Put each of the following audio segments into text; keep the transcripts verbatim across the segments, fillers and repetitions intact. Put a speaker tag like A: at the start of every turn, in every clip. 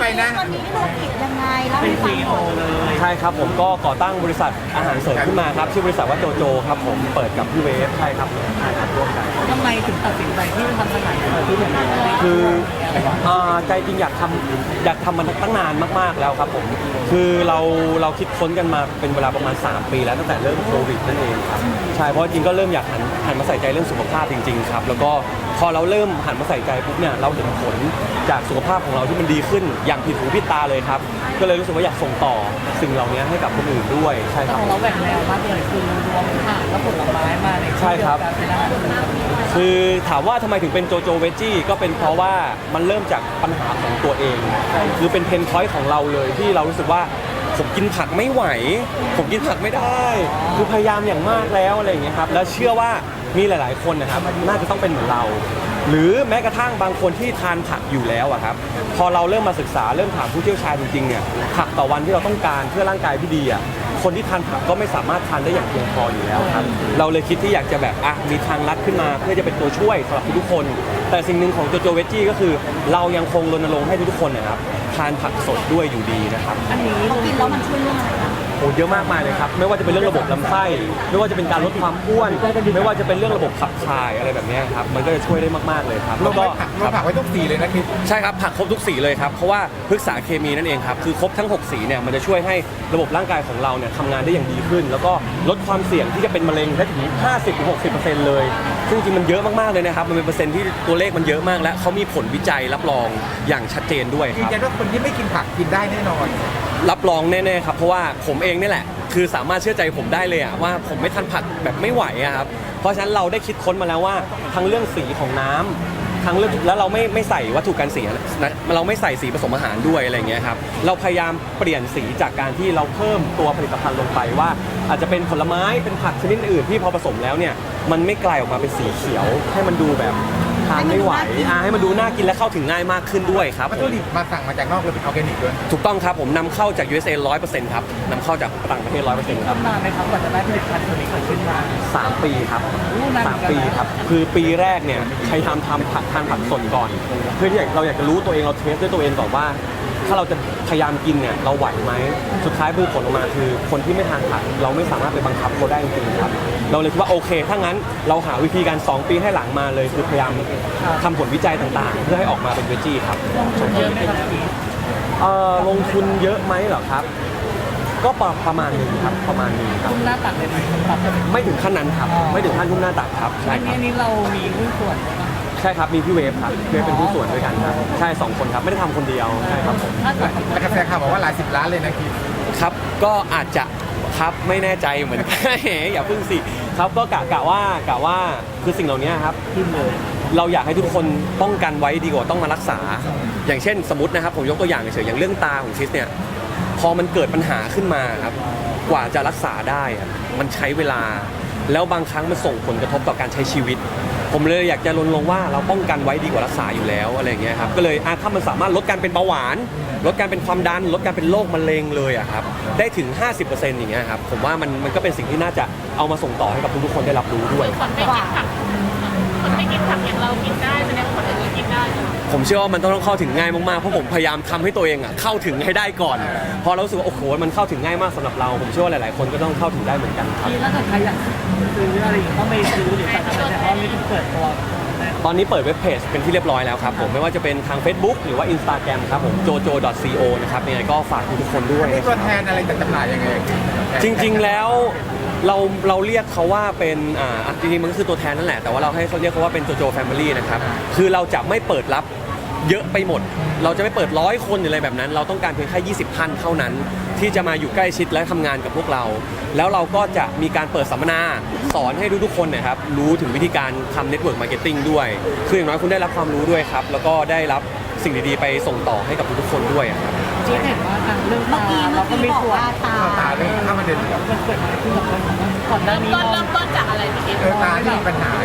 A: นะ
B: ตอนนี้ธุรกิจยังไงแล้ว
C: เป็น
B: ฟั
C: ซี
B: ง
C: อี
B: ห
C: โอ
B: มด
C: เลย
D: ใช่ครับผมก็ก่อตั้งบริษัทอาหารเสริมขึ้นมาครับชื่อบริษัทว่าโจโจครับผมเปิดกับพี่เวฟใช่ครับใช่ครับร่วมกัน
C: ทำไมถึงตัดสินใจที่จะทำอาหารเสริมที่แบบนี้
D: คืออ่าใจจริงอยากทำอยากทำมันตั้งนานมากๆแล้วครับผมคือเราเราคิดค้นกันมาเป็นเวลาประมาณสามปีแล้วตั้งแต่เริ่มโควิดนั่นเองครับใช่เพราะจริงก็เริ่มอยากหันหันมาใส่ใจเรื่องสุขภาพจริงๆครับแล้วก็พอเราเริ่มหันมาใส่ใจปุ๊บเนี่ยเราเห็นผลจากสุขภาพของเราที่มันดีขึ้นอย่างผิดหูผิดตาเลยครับก็เลยรู้สึกว่าอยากส่งต่อสิ่งเหล่านี้ให้กับคนอื่นด้วยใช่ค
C: แต่
D: รับ
C: ของเราแหวกแนวมากเลยคือรวมผักและผลไม้มาใน
D: ใช่ครับ
C: ที่เดียวกันเป็นอาหารเสริม
D: คือถามว่าทำไมถึงเป็นโจโจเวจี้ก็เป็นเพราะว่ามันเริ่มจากปัญหาของตัวเองคือเป็นเพนพอยต์ของเราเลยที่เรารู้สึกว่าผมกินผักไม่ไหว ผมกินผักไม่ได้ คือพยายามอย่างมากแล้วอะไรอย่างเงี้ยครับแล้วเชื่อว่ามีหลาย ๆ คนนะครับน่าจะต้องเป็นเหมือนเรา หรือแม้กระทั่งบางคนที่ทานผักอยู่แล้วอะครับพอเราเริ่มมาศึกษาเริ่มถามผู้เชี่ยวชาญจริงๆเนี่ยผักต่อวันที่เราต้องการเพื่อร่างกายที่ดีอะคนที่ทานผักก็ไม่สามารถทานได้อย่างเพียงพออยู่แล้วครับเราเลยคิดที่อยากจะแบบอ่ะมีทางลัดขึ้นมาเพื่อจะเป็นตัวช่วยสำหรับทุกๆคน แต่สิ่งหนึ่งของโจโจเวจี้ก็คือ เรายังคงรณรงค์ให้ทุกๆคนนะครับทานผักสดด้วยอยู่ดีนะครับ
C: อันนี้
B: เขากินแล้วมันช่วยเรื่องอะไรบ้าง
D: โอ้เยอะมากมายเลยครับไม่ว่าจะเป็นเรื่องระบบลำไส้ไม่ว่าจะเป็นการลดความอ้วน ไม่ว่าจะเป็นเรื่องระบบขับถ่ายอะไรแบบเนี้ยครับมันก็จะช่วยได้มากๆเลยครับ
A: ล
D: แล้ว
A: ง
D: ก็
A: ไว้ผักลงผักไว้ทุกสีเลยนะคิด
D: ใช่ครับผักครบทุกสีเลยครับเพราะว่าพฤกษาเคมีนั่นเองครับคือครบทั้งหกสีเนี่ยมันจะช่วยให้ระบบร่างกายของเราเนี่ยทำงานได้อย่างดีขึ้น แล้วก็ลดความเสี่ยงที่จะเป็นมะเร็งได้ถึง ห้าสิบถึงหกสิบเปอร์เซ็นต์ เลยซึ่งจริงๆมันเยอะมากๆเลยนะครับมันเป็นเปอร์เซ็นต์ที่ตัวเลขมันเยอะมากและเขามีผลวิจัยรับรองอย่างชัดเจนด้วยค
A: ยืน
D: รับ
A: ยันว่าคนที่ไม่กินผักกินได้แน่นอน
D: รับรองแน่ๆครับเพราะว่าผมเองนี่แหละคือสามารถเชื่อใจผมได้เลยอะว่าผมไม่ทานผักแบบไม่ไหวอะครับเพราะฉะนั้นเราได้คิดค้นมาแล้วว่าทั้งเรื่องสีของน้ำทั้งเรื่องแล้วเราไม่ไม่ใส่วัตถุกันเสียนะเราไม่ใส่สีผสมอาหารด้วยอะไรเงี้ยครับเราพยายามเปลี่ยนสีจากการที่เราเพิ่มตัวผลิตภัณฑ์ลงไปว่า อาจจะเป็นผลไม้เป็นผักชนิดอื่นที่พอผสมแล้วเนี่ยมันไม่กลายออกมาเป็นสีเขียว ให้มันดูแบบทานไม่ไหวอ่าให้มันดูน่ากินและเข้าถึงง่ายมากขึ้นด้วยครับ
A: วัตถุดิบมาสั่งมาจากนอกเลยเป็นออร์แกนิกด้วย
D: ถูกต้องครับผมนำเข้าจาก ยู เอส เอ ร้อยเปอร์เซ็นต์ครับนำเข้าจากต่างประเทศร้อยเปอร์เซ็นต์ครับ
C: ทำนานไหมครับกว่าจะได้ผลิตภัณฑ์ตัวนี้เกิดขึ้นมา
D: สามปีครับ
C: อู้นานเหมื
D: สา
C: อ
D: ม
C: นกันนะ
D: ปีครับคือปีแรกเนี่ยพยายามทำผักทานผักสดก่อน เพื่อที่อยากเราอยากจะรู้ตัวเองเราเทสด้วยตัวเองก่อนว่า ถ้าเราจะพยายามกินเนี่ยเราไหวไหมสุดท้ายคือผลออกมาคือคนที่ไม่ทานผักเราไม่สามารถไปบังคับเขาได้จริงๆครับเราเลยคิดว่าโอเคถ้างั้นเราหาวิธีการสองปีให้หลังมาเลยคือพยายามทำผลวิจัยต่างๆ เพื่อให้ออกมาเป็นเวจี้ครับ
C: ลงทุนเยอะไหมครับพี่
D: เอ่อลงทุนเยอะไหมเหรอครับ ก็ประประมาณหนึงครับประมาณหนึงครับ
C: คุณหน้าตักเลยไหมครับ
D: ไม่ถึงขั้นนั้นครับ
C: อ๋อ
D: ไม่ถึงขั้นทุ่มหน้าตักครับใช่
C: อัน
D: ค
C: นี้
D: รับ
C: อันนี้เรามีหุ้นส่วนไหมครับ
D: ใช่ครับมีพี่เวฟครับพี่เวฟเป็นผู้ส่วนด้วยกันครับใช่สองคนครับไม่ได้ทำคนเดียวใช่ครับผม
C: ถ้าเกิด
A: แล้วกระแสข่าวบอกว่าหลายสิบล้านเลยนะคิด
D: ครับก็อาจจะครับไม่แน่ใจเหมือนกัน อย่าพึ่งสิครับก็กะกะว่ากะว่าคือสิ่งเหล่านี้ครับ
C: ขึ้นเลย
D: เราอยากให้ทุกคนป้องกันไว้ดีกว่าต้องมารักษา อย่างเช่นสมมตินะครับผมยกตัวอย่างเฉยๆอย่างเรื่องตาของคริสเนี่ยพอมันเกิดปัญหาขึ้นมาครับกว่าจะรักษาได้อะมันใช้เวลา แล้วบางครั้งมันส่งผลกระทบต่อการใช้ชีวิต ผมเลยอยากจะรณรงค์ว่าเราป้องกันไว้ดีกว่ารักษาอยู่แล้วอะไรอย่างเงี้ยครับก็เลยอ่ะถ้ามันสามารถลดการเป็นเบาหวาน ลดการเป็นความดัน ลดการเป็นโรคมะเร็งเลยอะครับได้ถึง ห้าสิบเปอร์เซ็นต์ อย่างเงี้ยครับผมว่ามันมันก็เป็นสิ่งที่น่าจะเอามาส่งต่อให้กับทุกๆคนได้รับรู้ด้วย
E: คนไม่กินผักคนไม่กินผักอย่างเรากินได้แสดงว่าคนอื่นกินได้ใช่ไหม
D: ผมเชื่อว่ามันต้องเข้าถึงง่ายมากๆ เพราะผมพยายามทำให้ตัวเองอ่ะเข้าถึงให้ได้ก่อน พอเรารู้สึกว่าโอ้โหมันเข้าถึงง่ายมากสำหรับเรา ผมเชื่อว่าหลายๆ คนก็ต้องเข้าถึงได้เหมือนกันครับ
C: พี่ถ้าเกิดใครอยากซื้ออะไรอย่างเงี้ยต้องไปซื้อหรือสั่งอะไรแต่ว่าไม่ถึงเปิดตัว
D: ตอนนี้เปิดเว็บเพจเป็นที่เรียบร้อยแล้วครับผมไม่ว่าจะเป็นทาง Facebook หรือว่า Instagram ครับผม โจโจ ดอท ซี โอ นะครับยังไงก็ฝากทุกๆคนด้วย
A: มีตัวแทนอะไรจะจำหน่ายยังไง
D: จริงๆ แล้วเราเราเรียกเขาว่าเป็นอ่าจริงๆ มันก็คือตัวแทนนั่นแหละ แต่ว่าเราให้เขาเรียกเขาว่าเป็นโจโจแฟมิลี่นะครับ คือเราจะไม่เปิดรับเยอะไปหมด เราจะไม่เปิดร้อยคนหรืออะไรแบบนั้น เราต้องการเพียงแค่ยี่สิบท่านเท่านั้น ที่จะมาอยู่ใกล้ชิดและทำงานกับพวกเรา แล้วเราก็จะมีการเปิดสัมมนาสอนให้ทุกๆคนนะครับรู้ถึงวิธีการทำเน็ตเวิร์กมาร์เก็ตติ้งด้วย คืออย่างน้อยคุณได้รับความรู้ด้วยครับ แล้วก็ได้รับสิ่งดีๆ ไปส่งต่อให้กับทุกๆคนด้วยอะครับ
C: ที่เห็นว่าทางเรื่อง
B: เมื่อ
C: ตา
B: กี้
C: เรา
B: เมื่อ
C: ก็
B: กี้
C: มี
B: บอก
C: ส่วน
B: ว่าตา
A: เข้าตาเลยเข้ามาเดิน
C: มันเกิดอะไรขึ้นกับเรื่องของก่อนหน้า
E: เริ่ม
C: นี้
E: ต้น
C: เรา
E: เริ่มต้นจากอะไรพี่กิ๊ฟ
A: เออตาที่มีปัญหา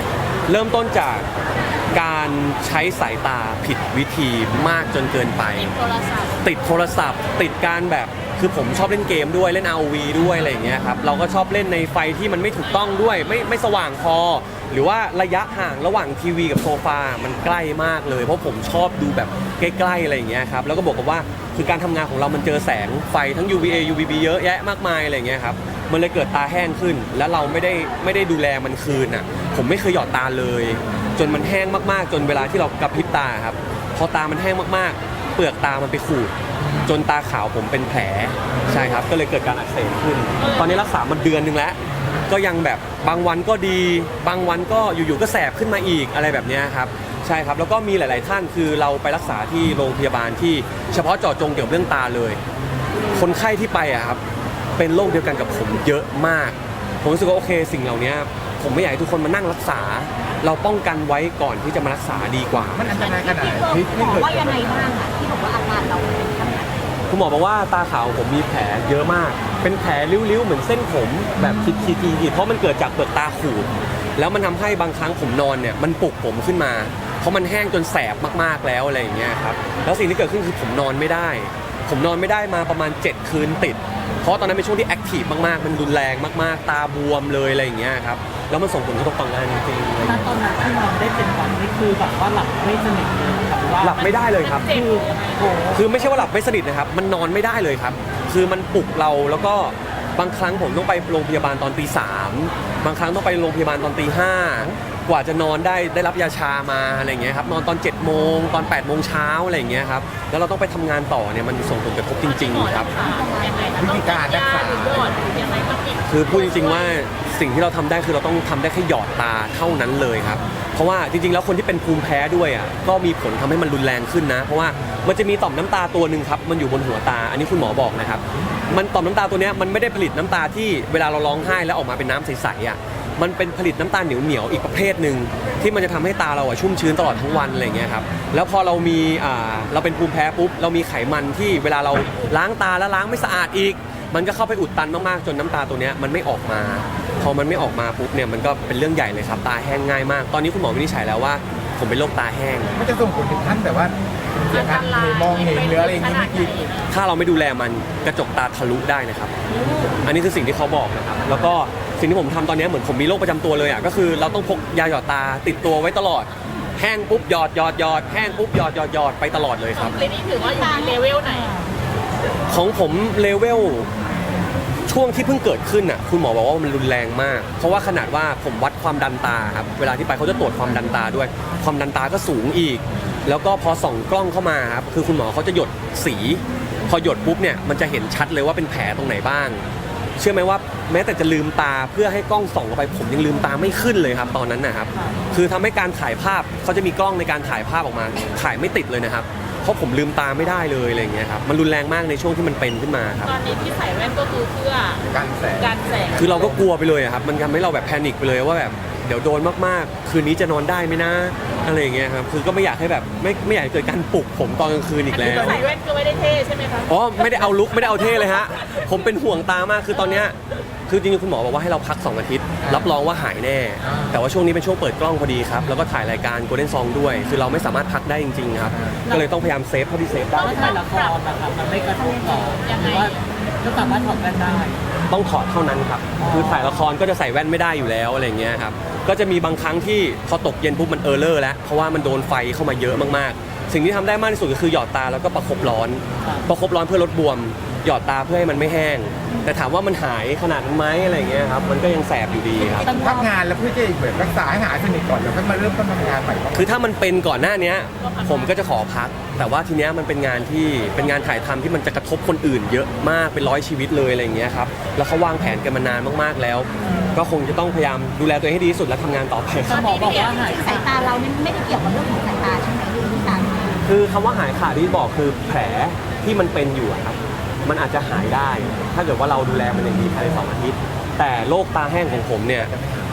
D: เริ่มต้นจากการใช้สายตาผิดวิธีมากจนเกินไป
E: โทรศัพท์
D: ติดโทรศัพท์ ติดการแบบคือผมชอบเล่นเกมด้วยเล่น อาร์ โอ วี ด้วยอะไรอย่างเงี้ยครับเราก็ชอบเล่นในไฟที่มันไม่ถูกต้องด้วยไม่ไม่สว่างพอ หรือว่าระยะห่างระหว่างทีวีกับโซฟามันใกล้มากเลยเพราะผมชอบดูแบบใกล้ๆอะไรอย่างเงี้ยครับแล้วก็บอกกับว่าคือการทำงานของเรามันเจอแสงไฟทั้ง ยู วี เอ ยู วี บี เยอะแยะมากมายอะไรอย่างเงี้ยครับมันเลยเกิดตาแห้งขึ้น แล้วเราไม่ได้ไม่ได้ดูแลมันคืนอ่ะผมไม่เคยหยอดตาเลย จนมันแห้งมากๆ จนเวลาที่เรากระพริบตาครับพอตามันแห้งมากๆ เปลือกตามันไปขูดจนตาขาวผมเป็นแผลใช่ครับก็เลยเกิดการอักเสบขึ้น ตอนนี้รักษามาเดือนนึงแล้วก็ยังแบบบางวันก็ดีบางวันก็อยู่ๆก็แสบขึ้นมาอีกอะไรแบบนี้ครับใช่ครับแล้วก็มีหลาย ๆ ท่านคือเราไปรักษาที่โรงพยาบาลที่เฉพาะเจาะจงเกี่ยวกับเรื่องตาเลย คนไข้ที่ไปอะครับเป็นโรคเดียวกันกับผมเยอะมากผมรู้สึกว่าโอเคสิ่งเหล่านี้ผมไม่อยากให้ทุกคนมานั่งรักษา เราป้องกันไว้ก่อนที่จะมารักษาดีกว่า
A: มันอันตรายขนาดไหนที่
B: หม
A: ที่
B: อ
A: เกิด
B: ว่ายังไงบ้างอะที่บอกว่าอาการเราเป็นขนาดไหน
D: คุณหมอบอกว่าตาขาวของผมมีแผลเยอะมาก เป็นแผลริ้วๆเหมือนเส้นผมแบบขีดๆๆเพราะมันเกิดจากเปลือกตาขูดแล้วมันทำให้บางครั้งผมนอนเนี่ยมันปลุกผมขึ้นมา เพราะมันแห้งจนแสบมากๆแล้วอะไรอย่างเงี้ยครับแล้วสิ่งที่เกิดขึ้นคือผมนอนไม่ได้ ผมนอนไม่ได้มาประมาณเจ็ดคืนติด เพราะตอนนั้นเป็นช่วงที่แอคทีฟมากๆ มันรุนแรงมากๆ ตาบวมเลยอะไรอย่างเงี้ยครับแล้วมันส่งผลกระทบต่องานจริงๆอะไรอย่าง
C: ณ
D: เงี้ย
C: ตอนนั้นที่นอนได้เป็นวันนี่คือแบบว่าหลับไม่สนิทเลยครับว่า
D: หลับไม่ได้เลยครับ
E: เจ็บ
C: คือโอ้โห
D: คือไม่ใช่ว่าหลับไม่สนิทนะครับ มันนอนไม่ได้เลยครับ คือมันปลุกเราแล้วก็บางครั้งผมต้องไปโรงพยาบาลตอนตีสามบางครั้งต้องไปโรงพยาบาลตอนตีห้ากว่าจะนอนได้ได้รับยาชามาอะไรอย่างเงี้ยครับนอนตอนเจ็ดโมงตอนแปดโมงเช้าอะไรอย่างเงี้ยครับแล้วเราต้องไปทำงานต่อเนี่ยมันส่งผลกระทบจริงๆครับ
A: วิธีการรักษา
E: หรือหยอดหรือยังไงต้องอีก
D: คือพูดจริงๆว่าสิ่งที่เราทำได้คือเราต้องทำได้แค่หยอดตาเท่านั้นเลยครับเพราะว่าจริงๆแล้วคนที่เป็นภูมิแพ้ด้วยอ่ะก็มีผลทำให้มันรุนแรงขึ้นนะ เพราะว่ามันจะมีต่อมน้ำตาตัวหนึ่งครับมันอยู่บนหัวตา อันนี้คุณหมอบอกนะครับมันต่อมน้ำตาตัวเนี้ยมันไม่ได้ผลิตน้ำตาที่เวลาเราร้องไห้แล้วออกมาเป็นน้ำใสๆอ่ะมันเป็นผลิตน้ำตาลเหนียวๆอีกประเภทหนึ่งที่มันจะทำให้ตาเราอ่ะชุ่มชื้นตลอดทั้งวันอะไรอย่างเงี้ยครับแล้วพอเรามีอ่าเราเป็นภูมิแพ้ปุ๊บเรามีไขมันที่เวลาเราล้างตาแล้วล้างไม่สะอาดอีก มันก็เข้าไปอุดตันมากๆจนน้ำตาตัวเนี้ยมันไม่ออกมา พอมันไม่ออกมาปุ๊บเนี่ยมันก็เป็นเรื่องใหญ่เลยครับตาแห้งง่ายมาก ตอนนี้คุณหมอวินิจฉัยแล้วว่าผมเป็นโรคตาแห้ง
A: มันจะส่งผลถึงขั้นแบบว่าเสียการมองเห็นหรืออะไรอย่างงี้ไม่กิน
D: ถ้าเราไม่ดูแลมันกระจกตาทะลุได้นะครับ อันนี้คือสิ่งที่เขาบอกนะครับแล้วก็สิ่งที่ผมทำตอนนี้เหมือนผมมีโรคประจำตัวเลยอ่ะก็คือเราต้องพกยาหยอดตาติดตัวไว้ตลอดแห้งปุ๊บหยอดหยอดหยอดแห้งปุ๊บหยอดหยอดหยอดไปตลอดเลยครับ
E: เลนี่ถือว่าอยู่ในเลเวลไหน
D: ของผมเลเวลช่วงที่เพิ่งเกิดขึ้นอ่ะคุณหมอบอกว่ามันรุนแรงมาก เพราะว่าขนาดว่าผมวัดความดันตาครับเวลาที่ไปเขาจะตรวจความดันตาด้วย ความดันตาก็สูงอีก แล้วก็พอส่องกล้องเข้ามาครับคือคุณหมอเขาจะหยดสี พอหยดปุ๊บเนี่ยมันจะเห็นชัดเลยว่าเป็นแผลตรงไหนบ้าง เชื่อไหมว่าแม้แต่จะลืมตาเพื่อให้กล้องส่องเข้าไปผมยังลืมตาไม่ขึ้นเลยครับตอนนั้นนะครับคือทำให้การถ่ายภาพเขาจะมีกล้องในการถ่ายภาพออกมาถ่ายไม่ติดเลยนะครับเพราะผมลืมตาไม่ได้เลยอะไรอย่างเงี้ยครับมันรุนแรงมากในช่วงที่มันเป็นขึ้นมาครับ
E: ตอนนี้ที่ใส่แว่นก็คือเพื่อ
A: การแสง
E: การแสง
D: คือเราก็กลัวไปเลยอะครับมันทำให้เราแบบแพนิคไปเลยว่าแบบเดี๋ยวโดนมากๆ คืนนี้จะนอนได้ไหมนะอะไรอย่างเงี้ยครับคือก็ไม่อยากให้แบบไม่ไม่อยากให้เกิดการปลุกผมตอนกลางคืนอีก
E: อัน
D: แล้
E: นี้
D: ว
E: ใส่แว่นก็ไม่ได้เท่ใช่ไหมคะ
D: อ๋อไม่ได้เอาลุกไม่ได้เอาเท่เลยฮะผมเป็นห่วงตามากคือตอนเนี้ยคือจริงๆคุณหมอบอกว่าให้เราพักสองอาทิตย์รับรองว่าหายแน่ แต่ว่าช่วงนี้เป็นช่วงเปิดกล้องพอดีครับแล้วก็ถ่ายรายการ Golden Song ด้วย คือเราไม่สามารถพักได้จริงๆครับก็เลยต้องพยายามเซฟเท่าที่เซฟได้
C: แล้วถ่ายละครนะครับมันไม่กระทบต่อหรือว่าก็สามารถถอดแว่นได้
D: ต้องถอดเท่านั้นครับ คือถ่ายละครก็จะใส่แว่นไม่ได้อยู่แล้วอะไรอย่างเงี้ยครับ ก็จะมีบางครั้งที่พอตกเย็นปุ๊บมันเออร์เลอร์แล้ว เพราะว่ามันโดนไฟเข้ามาเยอะมากๆ สิ่งที่ทำได้มากที่สุดก็คือหยอดตาแล้วก็ประคบร้อน ประคบร้อนเพื่อลดบวม หยอดตาเพื่อให้มันไม่แห้ง แต่ถามว่ามันหายขนาดนั้นไหมอะไรอย่างเงี้ยครับ มันก็ยังแสบอยู่ดีครับ
A: พักงานแล้วเพื่อจะแบบรักษาให้หายสนิทก่อนแล้วค่อยมาเริ่มต้นทำงานใหม่
D: คือถ้ามันเป็นก่อนหน้านี้ผมก็จะขอพัก แต่ว่าทีเนี้ยมันเป็นงานที่เป็นงานถ่ายทำที่มันจะกระทบคนอื่นเยอะมากเป็นร้อยชีวิตเลยอะไรอย่างเงี้ยครับแล้วเขาวางแผนกันมานานมากๆแล้ว ก็คงจะต้องพยายามดูแลตัวเองให้ดีที่สุดและทำงานต่อไปค
C: ถ้า
D: รับ
C: หมอบอกว่าหาย
B: สายตาเรานี่ไม่ได้เกี่ยวกับเรื่องของสายตาใช่ไหมหรือที่ตา
D: คือคำว่าหายขาดที่บอกคือแผลที่มันเป็นอยู่อะครับมันอาจจะหายได้ ถ้าเกิดว่าเราดูแลมันอย่างดีภายในสองอาทิตย์ แต่โรคตาแห้งของผมเนี่ย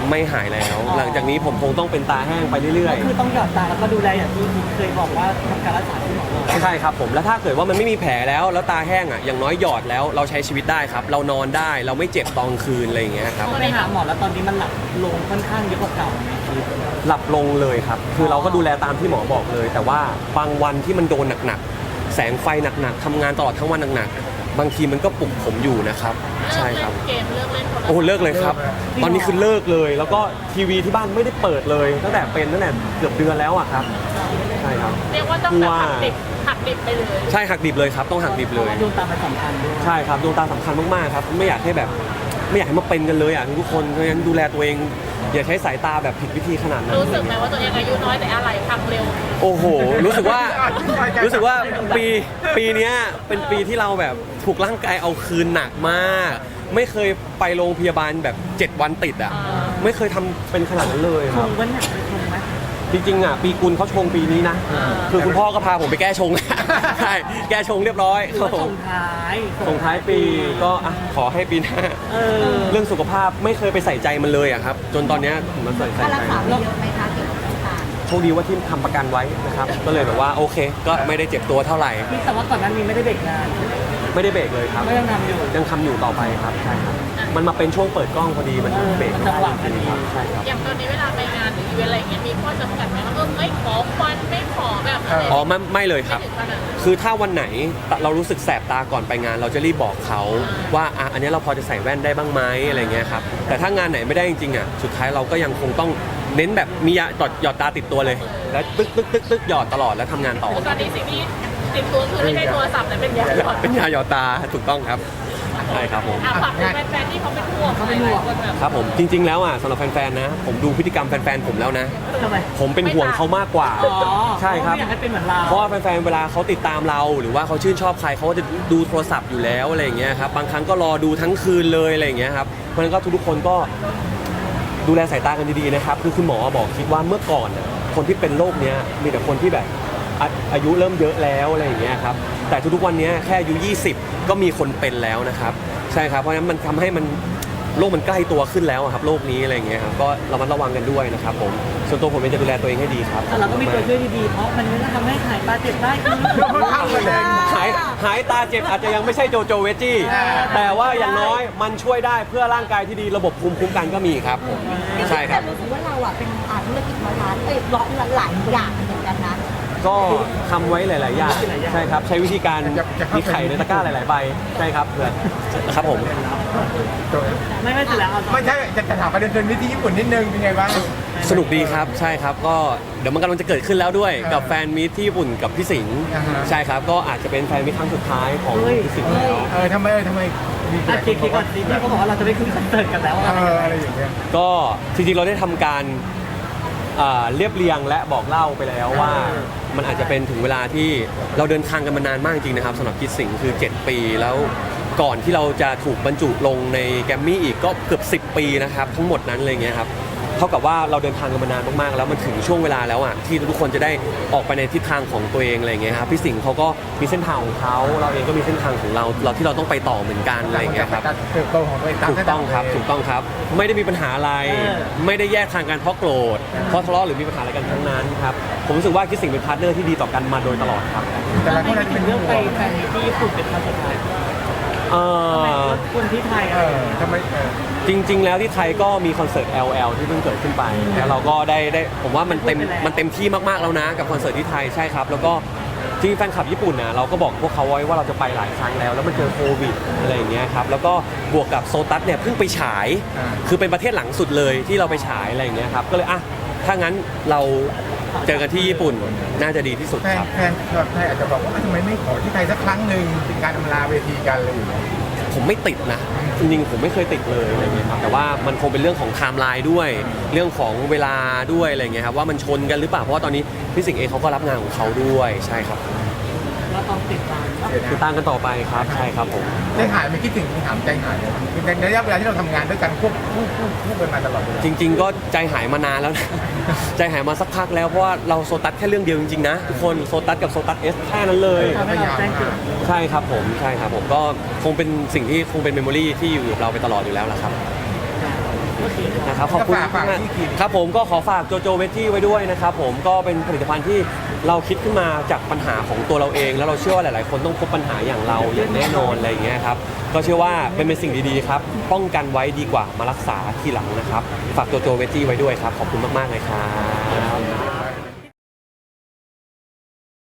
D: ไม่หายแล้ว หลังจากนี้ผมคงต้องเป็นตาแห้งไปเรื่อย
C: ก็คือต้องหยอดตาแล้วก็ดูแลอย่างที่เคยบอกว่าทำการรักษาที่หมอบอก
D: ๆใช่ครับผมแล้วถ้าเกิดว่ามันไม่มีแผลแล้วแล้วตาแห้งอ่ะอย่างน้อยหยอดแล้วเราใช้ชีวิตได้ครับเรานอนได้เราไม่เจ็บตอนคืนอะไรอย่างเงี้ยครับ
C: ก็ไปหาหมอแล้วตอนนี้มันหลับลงค่อนข้างเยอะกว่าเก่าไหมคือ
D: หลับลงเลยครับ คือเราก็ดูแลตามที่หมอบอกเลย แต่ว่าบางวันที่มันโดนหนักๆ แสงไฟหนักๆทำงานตลอดทั้งวันหนักๆ บางทีมันก็ปลุกผมอยู่นะครับ ใช่ครับ
E: เกมเลิกเล่นโทรศัพท์
D: โอ้เลิกเลยครับ ตอนนี้คือเลิกเลย แล้วก็ทีวีที่บ้านไม่ได้เปิดเลย ตั้งแต่เป็นตั้งแต่เกือบเดือนแล้วอะครับ ใช่ครับ
E: เรียกว่าต้องแบบหักดิบหักดิบไปเลย
D: ใช่หักดิบเลยครับ ต้องหักดิบเลย
C: ดวงตาเป็นสำคัญด้วย
D: ใช่ครับดวงตาสำคัญมากๆครับ ไม่อยากให้แบบ ไม่อยากให้มาเป็นกันเลยอ่ะทุกคนเพราะฉะนั้นดูแลตัวเอง อย่าใช้สายตาแบบผิดวิธีขนาดนั้น
E: รู้สึกไหมว่าตัวเองอายุน้อยแต่อะไรพังเร็ว
D: โอ้โห รู้สึกว่า รู้สึกว่าปีปีเนี้ยเป็นปีที่เราแบบถูกร่างกายเอาคืนหนักมาก ไม่เคยไปโรงพยาบาลแบบเจ็ดวันติดอ่ะ
E: อ่า
D: ไม่เคยทำเป็นขนาดนั้นเลย
C: ช
D: ครับ
C: งวันหนักไปชงไหม
D: จริงๆอ่ะปีกุลเขาชงปีนี้นะ คือคุณพ่อก็พาผมไปแก้ชง ใช่ แก้ชงเรียบร้อย
C: หรือว่าชงท้าย
D: ส่งท้ายปีก็อ่ะขอให้ปีหน้า
C: เออ
D: เรื่องสุขภาพไม่เคยไปใส่ใจมันเลยอะครับ จนตอนเนี้ยผมมาใส่ใจ
B: ค่ารักษาเยอะไหมคะเกี่ยวกับสายตา
D: โชคดีว่าที่ทำประกันไว้นะครับ ก็เลยแบบว่าโอเค ก็ไม่ได้เจ็บตัวเท่าไหร่
C: พี่แต่ว่าก่อนหนั้นนี้ไม่ได้เบรกงาน
D: ไม่ได้เบรกเลยครับ
C: ไม่ยังทำอยู่
D: ยังทำอยู่ต่อไปครับใช่ครับ มันมาเป็นช่วงเปิดกล้องพอดีมันเบรกไม่ได้จริงๆครับใช่ครับ
E: อย่างตอนนี้เวลาไปงานหรืออีเวนต์อะไรอย่างเงี้ยมีข้อจำกัดไหมว่าเออไม่ขอควันไม่ขอแบบอะไร
D: อ๋อไม่ไม่เลยครับ
E: ไม่ถึงขนาดนั้น
D: คือถ้าวันไหนเรารู้สึกแสบตาก่อนไปงาน เราจะรีบบอกเขาว่าอ่ะอันนี้เราพอจะใส่แว่นได้บ้างไหมอะไรเงี้ยครับแต่ถ้างานไหนไม่ได้จริงๆอ่ะสุดท้ายเราก็ยังคงต้องเน้นแบบมียาหยอดหยอดตาติดตัวเลย แล้วตึ๊กตึ๊กตึ๊กตึ๊กหยอดตลอดแล้วทำงานต่อ
E: ตอนนี้สิ่งที่ติดตัวคือไม่ใช่โทรศัพท์แต่เป็นยาหยอด
D: เป็นยาหยอดตาถูกต้องครับใช่ครับผม
E: อ่ะฝากถึงแฟนๆที่เขาเป็นห่วง
C: เขาเป็นห่วง
E: หลายๆคนแบบ
D: ครับผมจริง ๆแล้วอ่ะสำหรับแฟนๆนะ ผมดูพฤติกรรมแฟนๆผมแล้วนะ
C: ทำไม
D: ผมเป็นห่วงเขามากกว่า
C: อ๋อ
D: ใช่ครับ
C: ไม่อยากให้เป็นเหมือนเรา
D: เพราะว่าแฟนๆ เวลาเขาติดตามเรา หรือว่าเขาชื่นชอบใครเขาก็จะดูโทรศัพท์อยู่แล้วอะไรอย่างเงี้ยครับ บางครั้งก็รอดูทั้งคืนเลยอะไรอย่างเงี้ยครับ เพราะฉะนั้นก็ทุกๆคนก็ดูแลสายตากันดีๆนะครับ คือคุณหมอบอกคิดว่าเมื่อก่อนน่ะคนที่เป็นโรคเนี้ยมีแต่คนที่แบบอาอายุเริ่มเยอะแล้วอะไรอย่างเงี้ยครับ แต่ทุกๆวันเนี้ยแค่อายุยี่สิบก็มีคนเป็นแล้วนะครับ ใช่ครับ เพราะฉะนั้นมันทำให้มันโรคมันใกล้ตัวขึ้นแล้วอะครับโรคนี้อะไรอย่างเงี้ยครับ ก็ระมัดระวังกันด้วยนะครับผม ส่วนตัวผมเองจะดูแลตัวเองให้ดีครับ
C: แต่เราก็มีตัวช่วยดีๆ เพราะมันไม่ได้ทำให้หายตาเจ็บได้คือ
A: เข้าประเด็น
D: หายหายตาเจ็บอาจจะยังไม่ใช่โจโจเวจจี้ แต่ว่าอย่างน้อยมันช่วยได้เพื่อร่างกายที่ดีระบบภูมิคุ้มกันก็มีครับผมใช่ครับ
B: แต่รู้สึกว่าเราอ่ะเป็นอ่าธุรกิจร้อยล้านเอ้ยร้อยหลายอย่างเหมือนกันนะ
D: ก็ทำไว้หลาย ๆ อย่างใช่ครับ ใช้วิธีการ
A: จะจะเข้า
D: มีไข่ในตะกร้าหลาย ๆ ใบใช่ครับเพื่อนครับผม
C: ไม่ไม่เสร็จแล้วเอาต่อ
A: ไม่ใช่จะจะถามประเด็นเรื่องนี้ที่ญี่ปุ่นนิดนึงเป็นไงบ้าง
D: สนุกดีครับใช่ครับก็เดี๋ยวมันกำลังจะเกิดขึ้นแล้วด้วย
A: เออ
D: กับแฟนมิตรที่ญี่ปุ่นกับพี่สิงห์
A: อ่าฮะ
D: ใช่ครับก็อาจจะเป็นแฟนมิตรครั้งสุดท้ายของพี่สิงห์แล้ว
A: เออทำไมเออทำไมมี
C: อ่ะเคเคก่อนสิพี่เขาบอกว่าเราจะไปขึ้นคอนเสิร์ตกันแล้ว
A: เอออะไรอย่างเงี้ย
D: ก็จริงๆเราได้ทำการอ่าเรียบเรียงและบอกเล่าไปแล้วว่า มันอาจจะเป็นถึงเวลาที่เราเดินทางกันมานานมากจริงนะครับสำหรับคิดสิงห์คือ เจ็ด ปีแล้วก่อนที่เราจะถูกบรรจุลงในแกรมมี่อีกก็เกือบสิบ ปีนะครับทั้งหมดนั้นเลยเงี้ยครับเท่ากับว่าเราเดินทางกันมานานมากๆแล้วมันถึงช่วงเวลาแล้วอ่ะที่ทุกคนจะได้ออกไปในทิศทางของตัวเองอะไรเงี้ยครับพี่สิงห์เขาก็มีเส้นทางของเขาเราเองก็มีเส้นทางของเราเราที่เราต้องไปต่อเหมือนกันอะไรเงี้ยครับ
A: การเติบโตของตัวเองาม
D: ถูกต้องครับ
A: เส้นทาง
D: ถูกต้องครับ ไม่ได้มีปัญหาอะไร ไม่ได้แยกทางกันเพราะโกรธเพราะทะเลาะหรือมีปัญหาอะไรกันทั้งนั้นครับผมรู้สึกว่าคิดสิ่งเป็นพาร์ทเนอร์ที่ดีต่อกันมาโดยตลอดครับ
A: แต่ละคน
C: ไม่
A: อาจจะ
C: เป็
A: เป็น น
C: เรื่
A: เรื่
C: อ
A: อง ง
C: ไป
A: ไป
C: แฟนมีที่ญี่ปุ่นเป็นครั้งสุดท้าย
D: เอ่อ
C: คนที่ไทย
A: เอ
C: อ่ะ
A: อทำไมเออ
D: จริง ๆ แล้วที่ไทยก็มีคอนเสิร์ต แอล แอล ที่เพิ่งเกิดขึ้นไปแล้วเราก็ได้ได้ผมว่ามันเต็มมันเต็มที่มากๆแล้วนะกับคอนเสิร์ตที่ไทยใช่ครับ แล้วก็จริงๆแฟนคลับญี่ปุ่นนะเราก็บอกพวกเขาไว้ว่าเราจะไปหลายครั้งแล้ว แล้วมันเจอโควิดอะไรอย่างเงี้ยครับแล้วก็บวกกับโซตัสเนี่ยเพิ่งไปฉาย คือเป็นประเทศหลังสุดเลยที่เราไปฉายอะไรอย่างเงี้ยครับก็เลยอ่ะถ้างั้นเราเจอกันที่ญี่ปุ่นน่าจะดีที่สุด
A: แฟน
D: ครับ
A: แฟนคลับไทยอาจจะบอกว่าทำไมไม่ขอที่ไทยสักครั้งหนึ่งเป็นการอำลาเวทีกันอะไรอย่างเงี้ย
D: ผมไม่ติดนะจริงๆผมไม่เคยติดเลยอะไรเงี้ยครับแต่ว่ามันคงเป็นเรื่องของไทม์ไลน์ด้วย เรื่องของเวลาด้วยอะไรเงี้ยครับว่ามันชนกันหรือเปล่าเพราะว่าตอนนี้พี่สิงห์เองเขาก็รับงานของเขาด้วยใช่ครับ
C: เราต้องติดตาม
D: ติดตามกันต่อไปครับใช่ครับผม
A: ใจหายไม่คิดถึงถามใจหายเลยในระยะเวลาที่เราทำงานด้วยกันควบคู่คู่คู่กันมาตลอดเวลา
D: จริง ๆ ก็ใจหายมานานแล้วนะ ใจหายมาสักพักแล้วเพราะว่าเราโซตัสแค่เรื่องเดียวจริงๆนะทุกคนโซตัสกับโซตัสเอสแค่นั้นเลย
C: ทำให้เราแจ้งเกิด
D: ใช่ครับผมใช่ครับผมก็คงเป็นสิ่งที่คงเป็นเมมโมรีที่อยู่กับเราไปตลอดอยู่แล้วละครับ
C: พ
D: นะครับขอบคุณ
A: ฝากฝาก
D: มาก
A: ที่กิน
D: ครับผมก็ขอฝากโจโจเวจจี้ไว้ด้วยนะครับผมก็เป็นผลิตภัณฑ์ที่เราคิดขึ้นมาจากปัญหาของตัวเราเอง แล้วเราเชื่อว่าหลาย ๆ คนต้องพบปัญหาอย่างเราอย่างแน่นอนอะไรอย่างเงี้ยครับก็เชื่อว่าเป็นเป็นสิ่งดีๆครับป้องกันไว้ดีกว่ามารักษาทีหลังนะครับฝากโจโจเวจจี้ไว้ด้วยครับขอบคุณมากๆเลยครับ